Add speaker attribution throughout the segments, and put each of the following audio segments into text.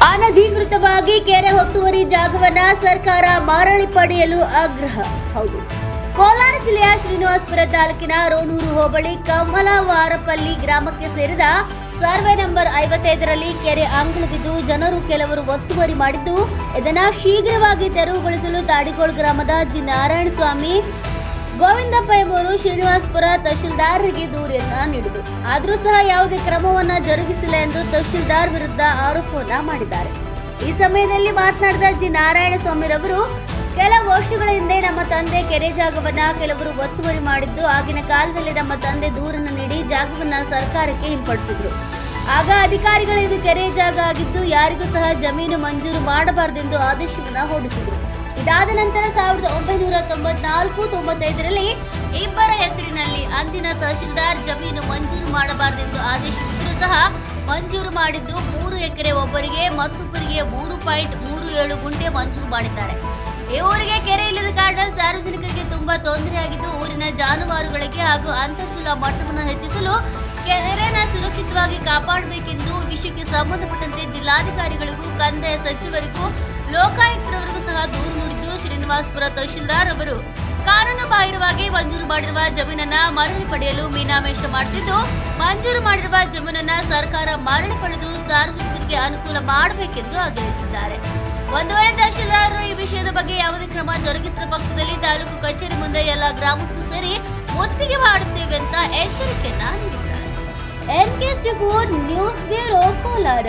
Speaker 1: ಅನಧಿಕೃತವಾಗಿ ಕೆರೆ ಒತ್ತುವರಿ ಜಾಗವನ್ನ ಸರ್ಕಾರ ಮರಳಿ ಪಡೆಯಲು ಆಗ್ರಹ. ಹೌದು, ಕೋಲಾರ ಜಿಲ್ಲೆಯ ಶ್ರೀನಿವಾಸಪುರ ತಾಲೂಕಿನ ರೋಣೂರು ಹೋಬಳಿ ಕಮಲವಾರಪಲ್ಲಿ ಗ್ರಾಮಕ್ಕೆ ಸೇರಿದ ಸರ್ವೆ ನಂಬರ್ 55ರಲ್ಲಿ ಕೆರೆ ಅಂಗಳವಿದ್ದು ಜನರು ಕೆಲವರು ಒತ್ತುವರಿ ಮಾಡಿದ್ದು, ಇದನ್ನು ಶೀಘ್ರವಾಗಿ ತೆರವುಗೊಳಿಸಲು ತಾಡಿಗೋಳ್ ಗ್ರಾಮದ ಜಿ ನಾರಾಯಣ ಸ್ವಾಮಿ ಗೋವಿಂದಪ್ಪ ಎಂಬುವರು ಶ್ರೀನಿವಾಸಪುರ ತಹಶೀಲ್ದಾರರಿಗೆ ದೂರನ್ನ ನೀಡಿದರು. ಆದರೂ ಸಹ ಯಾವುದೇ ಕ್ರಮವನ್ನ ಜರುಗಿಸಿಲ್ಲ ಎಂದು ತಹಶೀಲ್ದಾರ್ ವಿರುದ್ಧ ಆರೋಪವನ್ನ ಮಾಡಿದ್ದಾರೆ. ಈ ಸಮಯದಲ್ಲಿ ಮಾತನಾಡಿದ ಜಿ ನಾರಾಯಣ ಸ್ವಾಮಿರವರು, ಕೆಲ ವರ್ಷಗಳ ಹಿಂದೆ ನಮ್ಮ ತಂದೆ ಕೆರೆ ಜಾಗವನ್ನ ಕೆಲವರು ಒತ್ತುವರಿ ಮಾಡಿದ್ದು, ಆಗಿನ ಕಾಲದಲ್ಲಿ ನಮ್ಮ ತಂದೆ ದೂರನ್ನು ನೀಡಿ ಜಾಗವನ್ನ ಸರ್ಕಾರಕ್ಕೆ ಹಿಂಪಡಿಸಿದ್ರು. ಆಗ ಅಧಿಕಾರಿಗಳು ಇದು ಕೆರೆ ಜಾಗ ಆಗಿದ್ದು ಯಾರಿಗೂ ಸಹ ಜಮೀನು ಮಂಜೂರು ಮಾಡಬಾರದೆಂದು ಆದೇಶವನ್ನ ಹೊರಡಿಸಿದ್ರು. ಇದಾದ ನಂತರ 1994-95ರಲ್ಲಿ ಇಬ್ಬರ ಹೆಸರಿನಲ್ಲಿ ಅಂದಿನ ತಹಶೀಲ್ದಾರ್ ಜಮೀನು ಮಂಜೂರು ಮಾಡಬಾರದೆಂದು ಆದೇಶವಿದ್ದರೂ ಸಹ ಮಂಜೂರು ಮಾಡಿದ್ದು 3 ಎಕರೆ ಒಬ್ಬರಿಗೆ, ಮತ್ತೊಬ್ಬರಿಗೆ 3.37 ಗುಂಟೆ ಮಂಜೂರು ಮಾಡಿದ್ದಾರೆ. ಈ ಊರಿಗೆ ಕೆರೆ ಇಲ್ಲದ ಕಾರಣ ಸಾರ್ವಜನಿಕರಿಗೆ ತುಂಬಾ ತೊಂದರೆಯಾಗಿದ್ದು, ಊರಿನ ಜಾನುವಾರುಗಳಿಗೆ ಹಾಗೂ ಅಂತರ್ಜಲ ಮಟ್ಟವನ್ನು ಹೆಚ್ಚಿಸಲು ಕೆರೆನ ಸುರಕ್ಷಿತವಾಗಿ ಕಾಪಾಡಬೇಕೆಂದು ವಿಷಯಕ್ಕೆ ಸಂಬಂಧಪಟ್ಟಂತೆ ಜಿಲ್ಲಾಧಿಕಾರಿಗಳಿಗೂ ಕಂದಾಯ ಸಚಿವರಿಗೂ ಲೋಕಾಯುಕ್ತರವರಿಗೂ ಸಹ ದೂರು ನೀಡಿದ್ದು, ಶ್ರೀನಿವಾಸಪುರ ತಹಶೀಲ್ದಾರ್ ಅವರು ಕಾನೂನು ಬಾಹಿರವಾಗಿ ಮಂಜೂರು ಮಾಡಿರುವ ಜಮೀನನ್ನ ಮರಳಿ ಪಡೆಯಲು ಮೀನಾಮೇಷ ಮಾಡುತ್ತಿದ್ದು, ಮಂಜೂರು ಮಾಡಿರುವ ಜಮೀನನ್ನ ಸರ್ಕಾರ ಮರಳಿ ಪಡೆದು ಸಾರ್ವಜನಿಕರಿಗೆ ಅನುಕೂಲ ಮಾಡಬೇಕೆಂದು ಆಗ್ರಹಿಸಿದ್ದಾರೆ. ಒಂದು ವೇಳೆ ತಹಶೀಲ್ದಾರರು ಈ ವಿಷಯದ ಬಗ್ಗೆ ಯಾವುದೇ ಕ್ರಮ ಜರುಗಿಸಿದ ಪಕ್ಷದಲ್ಲಿ ತಾಲೂಕು ಕಚೇರಿ ಮುಂದೆ ಎಲ್ಲ ಗ್ರಾಮಸ್ಥರು ಸೇರಿ ಮುತ್ತಿಗೆ ಮಾಡುತ್ತೇವೆ ಅಂತ ಎಚ್ಚರಿಕೆಯನ್ನ ನೀಡಿದ್ದಾರೆ. NK4 news bureau Kolar.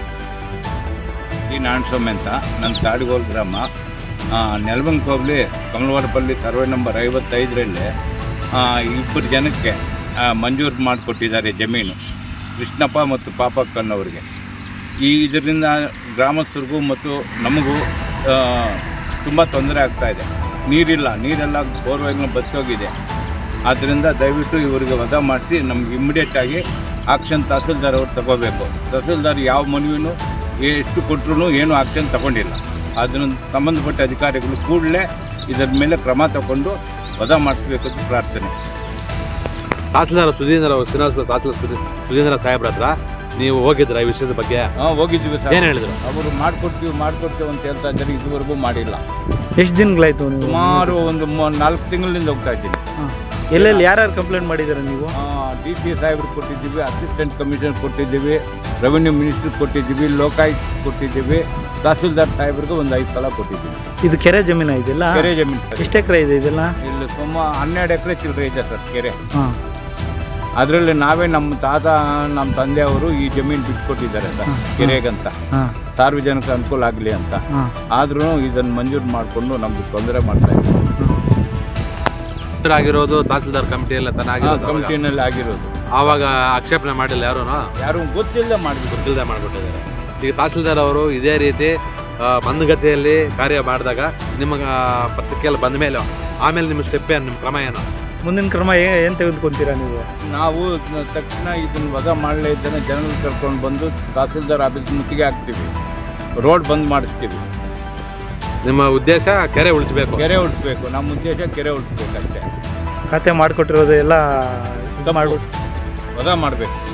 Speaker 2: ಈ ನಾರಾಯಣಸ್ವಾಮಿ ಅಂತ ನನ್ನ ತಾಡಿಗೋಳ್ ಗ್ರಾಮ, ನೆಲಮಂಗಲ ಹೋಬಳಿ ಕಮಲವಾರಪಲ್ಲಿ ಸರ್ವೆ ನಂಬರ್ 55ರಲ್ಲಿ ಇಬ್ಬರು ಜನಕ್ಕೆ ಮಂಜೂರು ಮಾಡಿಕೊಟ್ಟಿದ್ದಾರೆ ಜಮೀನು, ಕೃಷ್ಣಪ್ಪ ಮತ್ತು ಪಾಪಕ್ಕನವರಿಗೆ. ಇದರಿಂದ ಗ್ರಾಮಸ್ಥರಿಗೂ ಮತ್ತು ನಮಗೂ ತುಂಬ ತೊಂದರೆ ಆಗ್ತಾಯಿದೆ. ನೀರೆಲ್ಲ ಬೋರ್ವೆಲ್ನ ಬತ್ತೋಗಿದೆ. ಆದ್ದರಿಂದ ದಯವಿಟ್ಟು ಇವರಿಗೆ ವಜಾ ಮಾಡಿಸಿ ನಮ್ಗೆ ಇಮ್ಮಿಡಿಯೇಟಾಗಿ ಆಕ್ಷನ್ ತಹಸೀಲ್ದಾರ್ ಅವ್ರು ತಗೋಬೇಕು. ತಹಸೀಲ್ದಾರ್ ಯಾವ ಮನವಿನೂ ಎಷ್ಟು ಕೊಟ್ಟರು ಏನೂ ಆಕ್ಷನ್ ತಗೊಂಡಿಲ್ಲ. ಅದನ್ನು ಸಂಬಂಧಪಟ್ಟ ಅಧಿಕಾರಿಗಳು ಕೂಡಲೇ ಇದರ ಮೇಲೆ ಕ್ರಮ ತಗೊಂಡು ವಜಾ ಮಾಡಿಸ್ಬೇಕಂತ ಪ್ರಾರ್ಥನೆ.
Speaker 3: ತಹಸೀಲ್ದಾರ್ ಸುಧೀಂದ್ರ ಸುಧೀಂದ್ರ ಸಾಹೇಬ್ರ ಹತ್ರ ನೀವು ಹೋಗಿದ್ರ ಈ ವಿಷಯದ ಬಗ್ಗೆ?
Speaker 2: ಹೋಗಿದ್ವಿ ಸರ್.
Speaker 3: ಏನು ಹೇಳಿದ್ರು?
Speaker 2: ಅವರು ಮಾಡ್ಕೊಡ್ತೀವಿ ಅಂತ ಹೇಳ್ತಾ ಇದ್ದಾರೆ. ಇದುವರೆಗೂ ಮಾಡಿಲ್ಲ.
Speaker 4: ಎಷ್ಟು ದಿನಗಳಾಯ್ತು?
Speaker 2: ಸುಮಾರು ಒಂದು 4 ತಿಂಗಳಿಂದ ಹೋಗ್ತಾ ಇದ್ದೀನಿ.
Speaker 4: ಎಲ್ಲೆಲ್ಲಿ ಯಾರ್ಯಾರು ಕಂಪ್ಲೇಂಟ್ ಮಾಡಿದ್ದಾರೆ ನೀವು?
Speaker 2: DP ಸಾಹೇಬ್ರಿಗೆ ಕೊಟ್ಟಿದ್ದೀವಿ, ಅಸಿಸ್ಟೆಂಟ್ ಕಮಿಷನರ್ ಕೊಟ್ಟಿದ್ದೀವಿ, ರೆವೆನ್ಯೂ ಮಿನಿಸ್ಟ್ರಿಗೆ ಕೊಟ್ಟಿದ್ದೀವಿ, ಲೋಕಾಯುಕ್ತ ಕೊಟ್ಟಿದ್ದೀವಿ, ತಹಸೀಲ್ದಾರ್ ಸಾಹೇಬ್ರಿಗೆ ಒಂದು 5 ಸಲ ಕೊಟ್ಟಿದ್ದೀವಿ.
Speaker 4: ಇದು ಕೆರೆ ಜಮೀನು ಇದೆಲ್ಲ?
Speaker 2: ಕೆರೆ ಜಮೀನು ಸರ್.
Speaker 4: ಎಷ್ಟು ಎಕರೆ ಇದೆ ಇದೆಲ್ಲ?
Speaker 2: ಇಲ್ಲಿ ಸುಮಾರು 12 ಎಕರೆ ಚಿಲ್ಲರೆ ಇದೆ ಸರ್ ಕೆರೆ. ಅದರಲ್ಲಿ ನಾವೇ ನಮ್ಮ ತಾತ ನಮ್ಮ ತಂದೆಯವರು ಈ ಜಮೀನು ಬಿಟ್ಕೊಟ್ಟಿದ್ದಾರೆ ಸರ್ ಕೆರೆಗಂತ, ಸಾರ್ವಜನಿಕ ಅನುಕೂಲ ಆಗಲಿ ಅಂತ. ಆದ್ರೂ ಇದನ್ನು ಮಂಜೂರು ಮಾಡಿಕೊಂಡು ನಮ್ಗೆ ತೊಂದರೆ ಮಾಡ್ತಾ ಇದ್ದೀವಿ.
Speaker 3: ಆಗಿರೋದು ತಹಸೀಲ್ದಾರ್ ಕಮಿಟಿಯಲ್ಲ
Speaker 2: ಕಮಿಟಿನಲ್ಲಿ ಆಗಿರೋದು.
Speaker 3: ಆವಾಗ ಆಕ್ಷೇಪಣೆ ಮಾಡಿಲ್ಲ ಯಾರು
Speaker 2: ಗೊತ್ತಿಲ್ಲದೆ
Speaker 3: ಮಾಡಿಬಿಟ್ಟಿದ್ದಾರೆ. ಈಗ ತಹಸೀಲ್ದಾರ್ ಅವರು ಇದೇ ರೀತಿ ಮಂದಗತಿಯಲ್ಲಿ ಕಾರ್ಯ ಮಾಡಿದಾಗ ನಿಮ್ಮ ಪತ್ರಿಕೆಯಲ್ಲಿ ಬಂದ ಮೇಲೆ ಆಮೇಲೆ ನಿಮ್ಮ ಸ್ಟೆಪ್ ಏನು, ನಿಮ್ಮ ಕ್ರಮ ಏನು?
Speaker 4: ಮುಂದಿನ ಕ್ರಮ ಏನು ತೆಗೆದುಕೊಂತೀರಾ ನೀವು?
Speaker 2: ನಾವು ತಕ್ಷಣ ಇದನ್ನು ವಜಾ ಮಾಡಲೇ ಇದ್ದಾನೆ ಜನರು ಕರ್ಕೊಂಡು ಬಂದು ತಹಸೀಲ್ದಾರ್ ಆಫೀಸ್ ಮುತ್ತಿಗೆ ಹಾಕ್ತೀವಿ, ರೋಡ್ ಬಂದ್ ಮಾಡಿಸ್ತೀವಿ.
Speaker 3: ನಿಮ್ಮ ಉದ್ದೇಶ ಕೆರೆ ಉಳಿಸ್ಬೇಕು?
Speaker 2: ಕೆರೆ ಉಳಿಸ್ಬೇಕು. ನಮ್ಮ ಉದ್ದೇಶ ಕೆರೆ ಉಳಿಸ್ಬೇಕಷ್ಟೇ.
Speaker 4: ಖಾತೆ ಮಾಡಿಕೊಟ್ಟಿರೋದು ಎಲ್ಲ
Speaker 2: ವಜಾ ಮಾಡಬೇಕು.